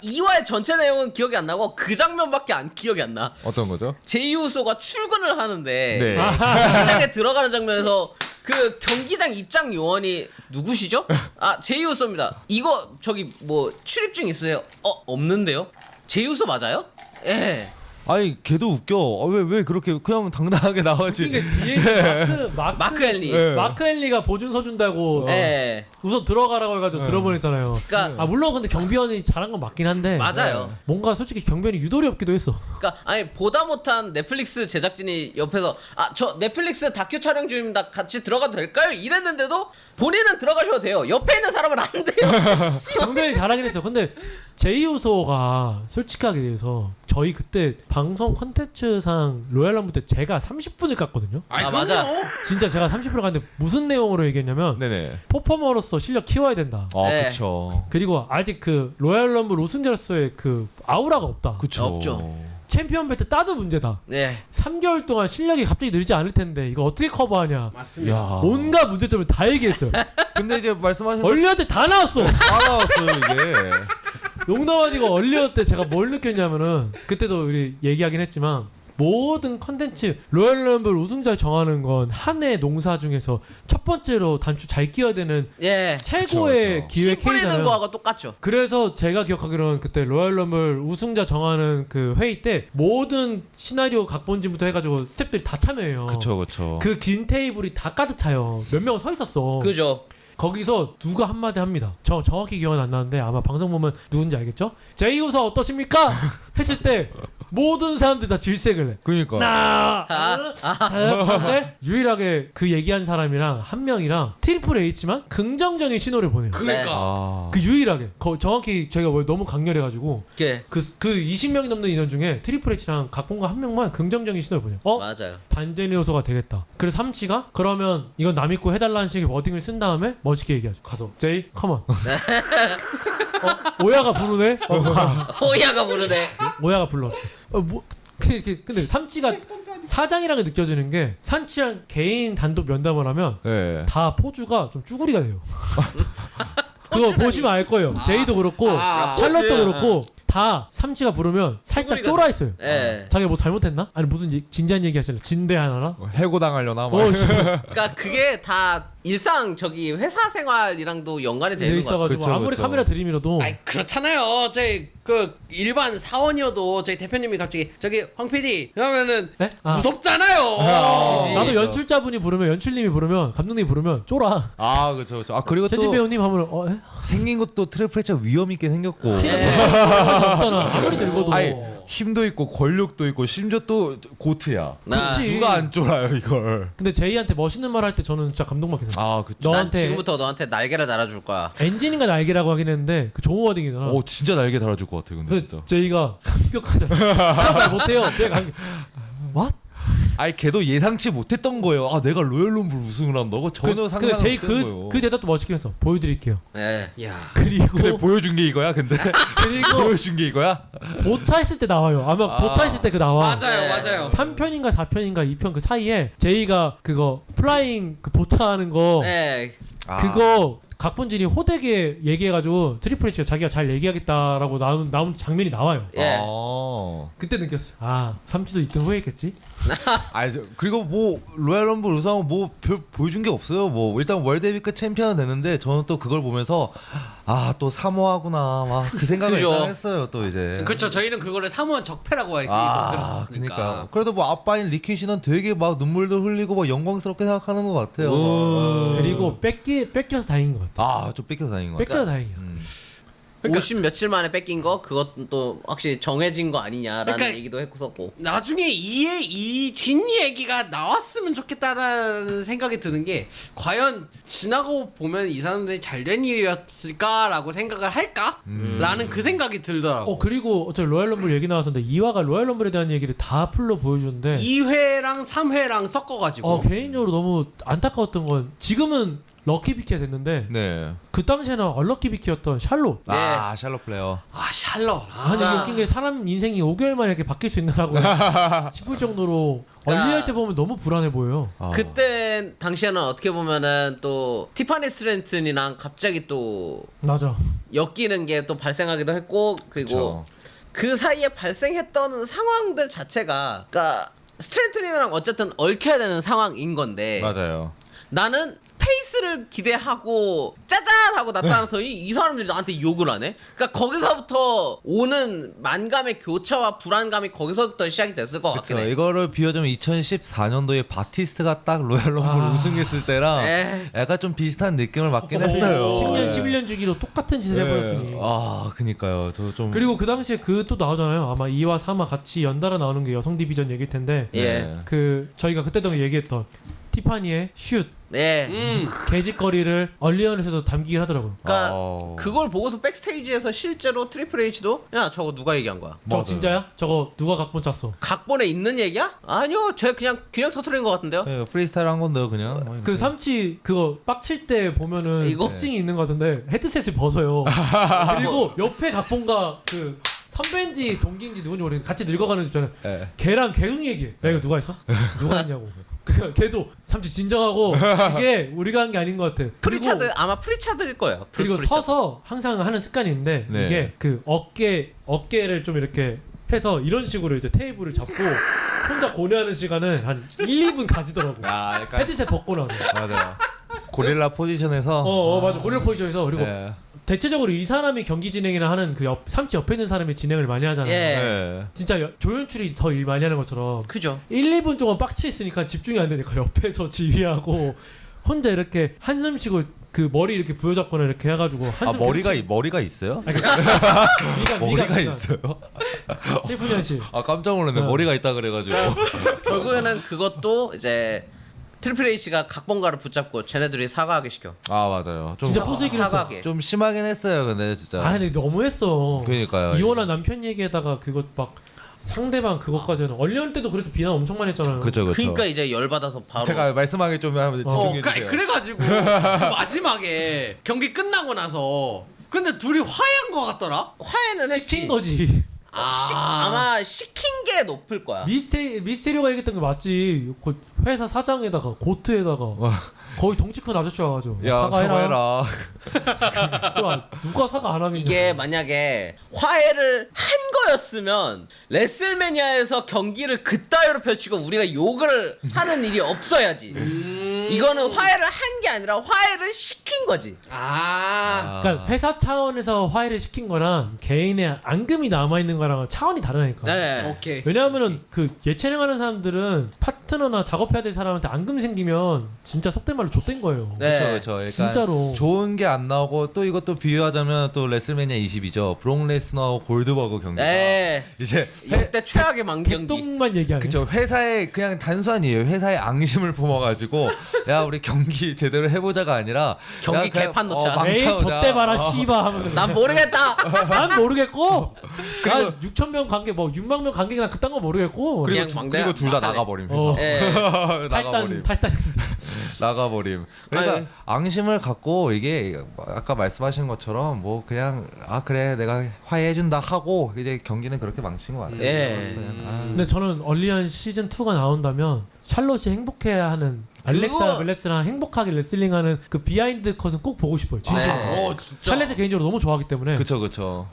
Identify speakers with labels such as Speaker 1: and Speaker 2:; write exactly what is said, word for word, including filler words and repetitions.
Speaker 1: 이 화의 전체 내용은 기억이 안 나고 그 장면밖에 안 기억이 안 나.
Speaker 2: 어떤 거죠?
Speaker 1: 제이 우소가 출근을 하는데
Speaker 2: 네.
Speaker 1: 이제 경기장에 들어가는 장면에서 그 경기장 입장 요원이 누구시죠? 아 제이 우소입니다. 이거 저기 뭐 출입증 있으세요? 어 없는데요? 제이 우소 맞아요? 예.
Speaker 2: 아니 걔도 웃겨. 어, 왜, 왜 그렇게 그냥 당당하게 나와지.
Speaker 3: 이게 뒤에 마크 마크
Speaker 1: 마크 헨리.
Speaker 2: 네.
Speaker 3: 마크 헨리가 보증서 준다고
Speaker 1: 예.
Speaker 3: 우선 들어가라고 해가지고
Speaker 2: 네.
Speaker 3: 들어보냈잖아요.
Speaker 1: 그러니까
Speaker 3: 아 물론 근데 경비원이 잘한 건 맞긴 한데
Speaker 1: 맞아요.
Speaker 3: 뭔가 솔직히 경비원이 유도리 없기도 했어.
Speaker 1: 그러니까 아니 보다 못한 넷플릭스 제작진이 옆에서 아 저 넷플릭스 다큐 촬영 중입니다. 같이 들어가도 될까요? 이랬는데도 본인은 들어가셔도 돼요. 옆에 있는 사람은 안 돼요.
Speaker 3: 경비원이 잘하긴 했어. 근데 제이우소가 솔직하게 얘기해서 저희 그때 방송 컨텐츠상 로얄럼블 때 제가 삼십 분을 깠거든요.
Speaker 1: 아, 맞아.
Speaker 3: 진짜 제가 삼십 분을 깠는데 무슨 내용으로 얘기했냐면
Speaker 2: 네네.
Speaker 3: 퍼포머로서 실력 키워야 된다.
Speaker 2: 아
Speaker 1: 네.
Speaker 2: 그쵸.
Speaker 3: 그리고 아직 그 로얄럼블 우승자로서의 그 아우라가 없다.
Speaker 2: 그쵸.
Speaker 1: 없죠.
Speaker 3: 챔피언 벨트 따도 문제다.
Speaker 1: 네.
Speaker 3: 삼 개월 동안 실력이 갑자기 늘지 않을 텐데 이거 어떻게 커버하냐.
Speaker 4: 맞습니다.
Speaker 2: 야.
Speaker 3: 온갖 문제점을 다 얘기했어요.
Speaker 2: 근데 이제 말씀하신
Speaker 3: 얼리어 때 다 나왔어.
Speaker 2: 다 나왔어요 이게.
Speaker 3: 농담 아니고 얼리어 때 제가 뭘 느꼈냐면은 그때도 우리 얘기하긴 했지만 모든 컨텐츠 로얄럼블 우승자 정하는 건 한 해 농사 중에서 첫 번째로 단추 잘 끼워야 되는
Speaker 1: 예.
Speaker 3: 최고의
Speaker 2: 그쵸, 그쵸.
Speaker 3: 기회
Speaker 1: 씨 뿌리는
Speaker 3: K잖아요.
Speaker 1: 거하고 똑같죠.
Speaker 3: 그래서 제가 기억하기로는 그때 로얄럼블 우승자 정하는 그 회의 때 모든 시나리오 각본진부터 해가지고 스태프들이 다 참여해요.
Speaker 2: 그쵸 그쵸.
Speaker 3: 그 긴 테이블이 다 가득 차요. 몇 명은 서 있었어.
Speaker 1: 그죠.
Speaker 3: 거기서 누가 한마디 합니다. 저 정확히 기억은 안 나는데 아마 방송 보면 누군지 알겠죠? 제이우서 어떠십니까? 했을 때 모든 사람들이 다 질색을 해.
Speaker 2: 그니까.
Speaker 3: 나
Speaker 1: 아,
Speaker 3: 근데 유일하게 그 얘기한 사람이랑 한 명이랑 트리플 H만 긍정적인 신호를 보내요. 그,
Speaker 4: 그러니까
Speaker 2: 아.
Speaker 3: 유일하게 거, 정확히 제가 뭐 너무 강렬해가지고
Speaker 1: 그
Speaker 3: 그, 그 이십 명이 넘는 인원 중에 트리플 H랑 각본가 한 명만 긍정적인 신호를 보내요. 어?
Speaker 1: 맞아요.
Speaker 3: 반전의 요소가 되겠다. 그래서 삼치가 그러면 이건 남 믿고 해달라는 식의 워딩을 쓴 다음에 멋있게 얘기하죠. 가서 제이 컴온. 어? 오야가 부르네. 어, 가.
Speaker 1: 호야가 부르네.
Speaker 3: 오야가 불렀어. 어, 뭐 그, 그, 근데 삼치가 사장이랑 느껴지는 게 삼치랑 개인 단독 면담을 하면
Speaker 2: 네.
Speaker 3: 다 포즈가 좀 쭈구리가 돼요. 그거 보시면 알 거예요. 제이도 그렇고
Speaker 4: 아,
Speaker 3: 샬럿도
Speaker 1: 포즈.
Speaker 3: 그렇고 다 삼치가 부르면 살짝
Speaker 1: 쭈구리가
Speaker 3: 쫄아 있어요.
Speaker 1: 예.
Speaker 3: 자기가 뭐 잘못했나? 아니 무슨 이- 진지한 얘기 하실래? 진대 하나나?
Speaker 2: 뭐 해고 당하려나 막.
Speaker 3: 어, 씨.
Speaker 1: 그러니까 그게 다 일상 저기 회사 생활이랑도 연관이
Speaker 3: 돼
Speaker 1: 되는 거 같아요.
Speaker 3: 있어가지고
Speaker 2: 그쵸,
Speaker 3: 아무리
Speaker 2: 그쵸.
Speaker 3: 카메라 들이밀어도
Speaker 4: 아이 그렇잖아요. 저희 그 일반 사원이어도 저희 대표님이 갑자기 저기 황 피디 그러면은
Speaker 3: 네? 아.
Speaker 4: 무섭잖아요.
Speaker 2: 아.
Speaker 4: 그지?
Speaker 3: 나도 연출자분이 부르면 연출님이 부르면 감독님이 부르면 쫄아.
Speaker 2: 아 그쵸 그쵸. 아 그리고
Speaker 3: 최진
Speaker 2: 또
Speaker 3: 배우님 하면 어? 에?
Speaker 2: 생긴 것도 트래프레차 위험 있게 생겼고.
Speaker 1: 예.
Speaker 3: 없잖아. 아무리 늙어도.
Speaker 2: 아니 힘도 있고 권력도 있고 심지어 또 고트야.
Speaker 1: 나,
Speaker 3: 그치.
Speaker 2: 누가 안 쫄아요 이걸.
Speaker 3: 근데 제이한테 멋있는 말 할 때 저는 진짜 감동받겠어요.
Speaker 2: 아 그쵸.
Speaker 1: 난
Speaker 3: 너한테
Speaker 1: 지금부터 너한테 날개를 달아줄 거야.
Speaker 3: 엔진인가 날개라고 하긴 했는데 그 좋은 워딩이잖아.
Speaker 2: 오 진짜 날개 달아줄 것 같아 근데
Speaker 3: 근데
Speaker 2: 진짜.
Speaker 3: 제이가 감격하잖아. 그런 말 못해요. 제가 감격. What?
Speaker 2: 아니 걔도 예상치 못했던 거예요. 아 내가 로얄럼블 우승을 한다고 전혀
Speaker 3: 그,
Speaker 2: 상상
Speaker 3: 근데 제이
Speaker 2: 못했던
Speaker 3: 그,
Speaker 2: 거예요.
Speaker 3: 그 대답도 멋있게 했어. 보여드릴게요.
Speaker 1: 예.
Speaker 4: 야.
Speaker 3: 그리고
Speaker 2: 근데 보여준 게 이거야 근데.
Speaker 3: 그리고
Speaker 2: 보여준 게 이거야?
Speaker 3: 보차 했을 때 나와요. 아마
Speaker 2: 아.
Speaker 3: 보차 했을 때 그 나와.
Speaker 4: 맞아요,
Speaker 1: 네.
Speaker 4: 맞아요.
Speaker 3: 삼 편인가 사 편인가 이 편 그 사이에 제이가 그거 플라잉 그 보차하는 거
Speaker 1: 예.
Speaker 2: 아.
Speaker 3: 그거 각본진이 호되게 얘기해가지고 트리플 H가 자기가 잘 얘기하겠다라고 나온 나온 장면이 나와요.
Speaker 1: 예.
Speaker 2: 아.
Speaker 3: 그때 느꼈어요. 아 삼치도 이때 후회했겠지.
Speaker 2: 아니 저- 그리고 뭐 로얄럼블 우승하고 뭐 별 보여준 게 없어요. 뭐 일단 월드헤비급 챔피언은 됐는데 저는 또 그걸 보면서 아 또 사모하구나 막 그 생각을
Speaker 1: 그죠.
Speaker 2: 일단 했어요 또 이제.
Speaker 4: 그렇죠. 저희는 그거를 사무원 적폐라고 알고
Speaker 2: 아
Speaker 4: 들었으니까.
Speaker 2: 그러니까 그래도 뭐 아빠인 리키 씨는 되게 막 눈물도 흘리고 막 영광스럽게 생각하는 것 같아요.
Speaker 3: 그리고 뺏기 뺏겨서 다행인 것 같아.
Speaker 2: 아좀 뺏겨서 다닌 것 같아.
Speaker 3: 뺏겨서 다행이야.
Speaker 2: 음.
Speaker 4: 그러니까-
Speaker 1: 오십 며칠 만에 뺏긴 거 그것도 확실히 정해진 거 아니냐라는
Speaker 4: 그러니까-
Speaker 1: 얘기도 했었고.
Speaker 4: 나중에 이의 이 뒷얘기가 나왔으면 좋겠다라는 생각이 드는 게 과연 지나고 보면 이 사람들이 잘된 일이었을까라고 생각을 할까? 라는 그 생각이 들더라고.
Speaker 3: 어 그리고 어차피 로얄럼블 얘기 나왔었는데 이 화가 로얄럼블에 대한 얘기를 다 풀로 보여주는데
Speaker 4: 이 회랑 삼 회랑 섞어가지고
Speaker 3: 어 개인적으로 너무 안타까웠던 건 지금은 럭키 비키가 됐는데
Speaker 2: 네.
Speaker 3: 그 당시에는 얼럭키 비키였던 샬롯.
Speaker 1: 네.
Speaker 2: 아 샬롯 플레이어.
Speaker 4: 아 샬럿.
Speaker 3: 아니 이게 웃긴 게 사람 인생이 오 개월 만에 이렇게 바뀔 수 있나라고 싶을 정도로
Speaker 1: 그러니까
Speaker 3: 얼리할 때 보면 너무 불안해 보여요.
Speaker 2: 아.
Speaker 1: 그때 당시에는 어떻게 보면은 또 티파니 스트랜튼이랑 갑자기 또
Speaker 3: 맞아.
Speaker 1: 엮이는 게 또 발생하기도 했고 그리고
Speaker 2: 그쵸.
Speaker 1: 그 사이에 발생했던 상황들 자체가 그러니까 스트랜튼이랑 어쨌든 얽혀야 되는 상황인 건데
Speaker 2: 맞아요.
Speaker 1: 나는 페이스를 기대하고 짜잔 하고 나타나더니 이 사람들이 나한테 욕을 하네. 그러니까 거기서부터 오는 만감의 교차와 불안감이 거기서부터 시작이 됐을 것 같긴
Speaker 2: 그쵸.
Speaker 1: 해.
Speaker 2: 이거를 비교하자면 이천십사 년도에 바티스트가 딱 로얄 럼블
Speaker 3: 아.
Speaker 2: 우승했을 때랑
Speaker 1: 에이.
Speaker 2: 약간 좀 비슷한 느낌을 맡긴 했어요.
Speaker 3: 십 년,
Speaker 2: 네.
Speaker 3: 십일 년 주기로 똑같은 짓을 해버렸으니.
Speaker 2: 네. 아, 그니까요. 저 좀.
Speaker 3: 그리고 그 당시에 그 또 나오잖아요. 아마 이와 삼화 같이 연달아 나오는 게 여성 디비전 얘기일 텐데
Speaker 1: 예.
Speaker 2: 네.
Speaker 3: 그 저희가 그때도 얘기했던 티파니의 슛
Speaker 1: 네.
Speaker 4: 음.
Speaker 3: 개짓거리를 얼리언에서도 담기긴 하더라고요.
Speaker 1: 그러니까
Speaker 2: 아.
Speaker 1: 그걸 보고서 백스테이지에서 실제로 트리플 H도 야 저거 누가 얘기한 거야?
Speaker 3: 저
Speaker 2: 맞아요.
Speaker 3: 진짜야? 저거 누가 각본 짰어?
Speaker 1: 각본에 있는 얘기야? 아니요, 제 그냥 그냥 터트린 것 같은데요.
Speaker 2: 네, 프리스타일 한 건데요, 그냥. 뭐
Speaker 3: 그
Speaker 2: 이렇게.
Speaker 3: 삼치 그거 빡칠 때 보면은
Speaker 1: 이거?
Speaker 3: 특징이 있는 것 같은데 헤드셋을 벗어요. 그리고 옆에 각본가 그 선배인지 동기인지 누군지 모르겠는데 같이 늙어가는 집 있잖아요.
Speaker 2: 네.
Speaker 3: 걔랑 개응 얘기해. 야 이거 누가 했어? 누가 했냐고. 그 걔도 삼치 진정하고 이게 우리가 한 게 아닌 것 같아. 그리고-
Speaker 1: 프리차드 아마 프리차드일 거예요. 브루스
Speaker 3: 그리고
Speaker 1: 프리차드.
Speaker 3: 서서 항상 하는 습관이 있는데
Speaker 2: 네.
Speaker 3: 이게 그 어깨 어깨를 좀 이렇게 해서 이런 식으로 이제 테이블을 잡고 혼자 고뇌하는 시간은 한 일, 이 분 가지더라고.
Speaker 2: 아, 약간.
Speaker 3: 헤드셋 벗고 나서.
Speaker 2: 맞아요. 고릴라 포지션에서.
Speaker 3: 어, 어 맞아. 고릴라 포지션에서 그리고
Speaker 2: 네.
Speaker 3: 대체적으로 이 사람이 경기 진행이나 하는 그 옆, 삼치 옆에 있는 사람이 진행을 많이 하잖아요.
Speaker 1: 예.
Speaker 2: 네.
Speaker 3: 진짜 여- 조연출이 더 일 많이 하는 것처럼
Speaker 1: 그죠.
Speaker 3: 일, 이 분 동안 빡치 있으니까 집중이 안 되니까 옆에서 지휘하고 혼자 이렇게 한숨 쉬고 그 머리 이렇게 부여잡거나 이렇게 해가지고 한숨
Speaker 2: 아, 머리가,
Speaker 3: 계속
Speaker 2: 이- 머리가 있어요?
Speaker 3: 아니, 미간,
Speaker 2: 머리가
Speaker 3: 미간, 미간.
Speaker 2: 있어요?
Speaker 3: 실fun현 씨.
Speaker 2: 아, 깜짝 놀랐네.
Speaker 3: 어.
Speaker 2: 머리가 있다 그래가지고.
Speaker 1: 결국에는 그것도 이제 트리플 H가 각본가를 붙잡고 쟤네들이 사과하게 시켜.
Speaker 2: 아, 맞아요. 좀,
Speaker 3: 진짜 포스이긴 했어.
Speaker 1: 사과하게.
Speaker 2: 좀 심하긴 했어요, 근데 진짜.
Speaker 3: 아 근데 너무했어.
Speaker 2: 그러니까요.
Speaker 3: 이혼한 남편 얘기에다가 그것 막 상대방 그것까지는 얼리언 때도 그래서 비난 엄청 많이 했잖아요.
Speaker 2: 그쵸, 그쵸.
Speaker 1: 그러니까 이제 열 받아서 바로
Speaker 2: 제가 말씀하기 좀 하면
Speaker 3: 어,
Speaker 4: 어,
Speaker 2: 집중해주세요.
Speaker 4: 그, 그래가지고 그 마지막에 경기 끝나고 나서 근데 둘이 화해한 것 같더라.
Speaker 1: 화해는 했지.
Speaker 3: 시킨 거지.
Speaker 1: 시, 아마 시킨 게 높을 거야.
Speaker 3: 미세 미세리오가 얘기했던 게 맞지. 그 회사 사장에다가 고트에다가 거의 덩치 큰 아저씨 와가지고
Speaker 2: 야,
Speaker 3: 사과해라.
Speaker 2: 사과해라.
Speaker 3: 또 아, 누가 사과 안 하겠냐.
Speaker 1: 이게 만약에 화해를 한 거였으면 레슬매니아에서 경기를 그따위로 펼치고 우리가 욕을 하는 일이 없어야지. 이거는 화해를 한 게 아니라 화해를 시킨 거지.
Speaker 4: 아,
Speaker 3: 그러니까 회사 차원에서 화해를 시킨 거랑 개인의 앙금이 남아 있는 거랑 차원이 다르니까.
Speaker 1: 네.
Speaker 4: 오케이.
Speaker 3: 왜냐하면은 그 예체능하는 사람들은 파트너나 작업해야 될 사람한테 앙금 생기면 진짜 속된 말로 좆된 거예요.
Speaker 1: 네.
Speaker 2: 그쵸, 그쵸. 그러니까
Speaker 3: 진짜로.
Speaker 2: 좋은 게 안 나오고 또 이것도 비유하자면 또 레슬매니아 이십이죠. 브록 레스너하고 골드버거 경기가
Speaker 1: 네.
Speaker 2: 이제
Speaker 1: 역대 최악의 망경기.
Speaker 3: 개똥만 얘기하네.
Speaker 2: 그쵸, 회사에 그냥 단순히에요. 회사에 앙심을 품어가지고 야 우리 경기 제대로 해보자가 아니라
Speaker 1: 경기
Speaker 2: 야, 그냥,
Speaker 1: 개판 놓자.
Speaker 2: 어,
Speaker 3: 에이
Speaker 2: 망쳐오자.
Speaker 3: 저때 봐라
Speaker 2: 어.
Speaker 3: 씨바 하면서.
Speaker 1: 난 모르겠다.
Speaker 3: 난 모르겠고.
Speaker 2: 그리고-
Speaker 3: 난 육천 명 관객 뭐 육만 명 관객이나 그딴 거 모르겠고.
Speaker 1: 그냥
Speaker 2: 그리고,
Speaker 1: 망대야.
Speaker 2: 그리고 둘 다
Speaker 1: 막하네.
Speaker 2: 나가버림.
Speaker 3: 어.
Speaker 2: 회사.
Speaker 1: 예.
Speaker 2: 나가버림.
Speaker 3: 탈단 탈단.
Speaker 2: 나가버림. 그러니까
Speaker 1: 아니.
Speaker 2: 앙심을 갖고 이게 아까 말씀하신 것처럼 뭐 그냥 아 그래 내가 화해해준다 하고 이제 경기는 그렇게 망친 것 같아요.
Speaker 1: 예.
Speaker 2: 봤을 때는. 아.
Speaker 3: 근데 저는 얼리언 시즌 이가 나온다면 샬롯이 행복해야 하는 알렉사
Speaker 1: 그거-
Speaker 3: 벨레스랑 행복하게 레슬링하는 그 비하인드 컷은 꼭 보고 싶어요. 진짜.
Speaker 1: 네.
Speaker 4: 어 진짜.
Speaker 3: 샬롯을 개인적으로 너무 좋아하기 때문에.
Speaker 2: 그쵸 그쵸.